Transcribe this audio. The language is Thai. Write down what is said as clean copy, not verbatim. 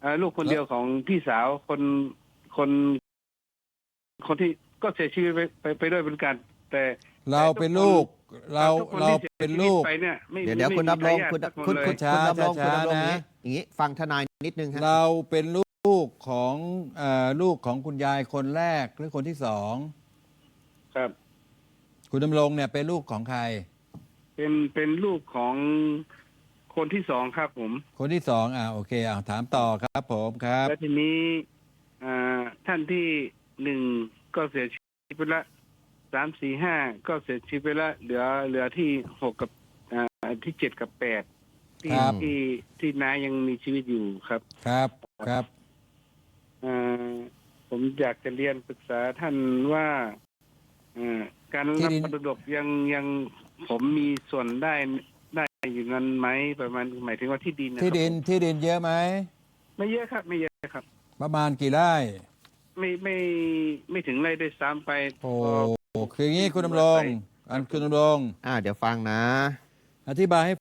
ลูกคนเดียวของพี่สาวคนคนที่ก็เสียชีวิตไปด้วยเหมือนกัน แต่เราเป็นลูกทุกคนเราที่เสียเป็นชีวิลูตกไปเนี่ยไม่เดี๋ยวคุณไม่มีดำรงทายาทคุณสักนคุณเลยคุณช้าคุณดำรงช้าคุณดำรงนะอย่างนี้ฟังทนายนิดนึงฮะเราเป็นลูกของลูกของคุณยายคนแรกหรือคนที่สองครับคุณดำรงเนี่ยเป็นลูกของใครเป็นลูกของคนที่สองครับผมคนที่สองโอเคถามต่อครับผมครับแล้วทีนี้ท่านที่หนึ่งก็เสียชีวิตไปละ3 4 5ก็เสียชีวิตไปละเหลือที่6กับที่7กับ8ที่ครับที่น้ายังมีชีวิตอยู่ครับครับครับผมอยากจะเรียนปรึกษาท่านว่าการรับมรดกยังผมมีส่วนได้อยู่นั้นไหมประมาณหมายถึงว่าที่ดินนะครับที่ดินเยอะไหมไม่เยอะครับไม่เยอะครับประมาณกี่ไร่ไม่ถึงไร่ด้วยซ้ำไปโอ้คืออย่างนี้คุณดำรงคุณดำรงเดี๋ยวฟังนะอธิบายให้